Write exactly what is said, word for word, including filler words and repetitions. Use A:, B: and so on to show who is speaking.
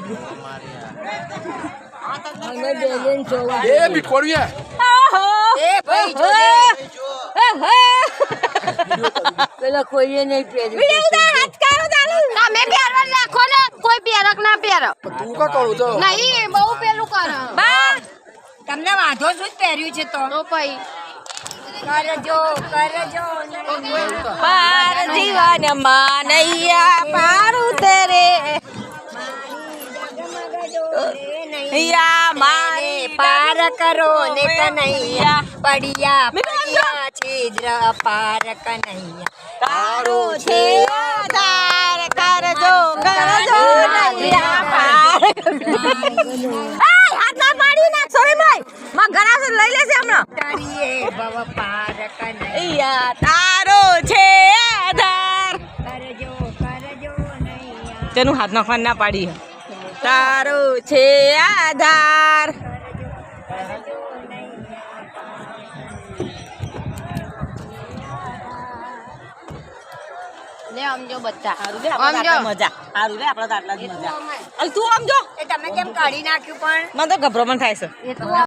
A: એ બિટકોડિયા
B: એ ભાઈ પેલા કોઈએ નહીં પહેર્યું
C: તમે પહેરવા રાખો ને કોઈ પહેરક ના પહેરો
A: તું કા કરું છો
C: નહીં બહુ પેલું કરો
B: બા તમને વાંધો શું જ પહેર્યું છે તો
C: તો પછી
B: કરજો કરજો પાર જીવન માનૈયા પારું તેરે નૈયા મારે પાર કરો ને કનૈયા પડિયા પડિયા છિદ્ર પાર કનૈયા તારું છે આધાર કરજો કરજો નૈયા પાર હાથ ના પાડી ના સોરી ભાઈ માં ઘરાસ લઈ લેશે હમણાં તારીએ ભવ પાર કનૈયા તારો છે આધાર કરજો કરજો નૈયા તેનું હાથ નાખવા ના પાડી તારો છે આધાર
C: લે સમજો બધા
B: સારું રે આપણે મજા સારું રે આપણે આટલા જ મજા તું સમજો એ તમે કેમ કાઢી નાખ્યું પણ મને તો ગભરામણ થાય છે
C: એ તો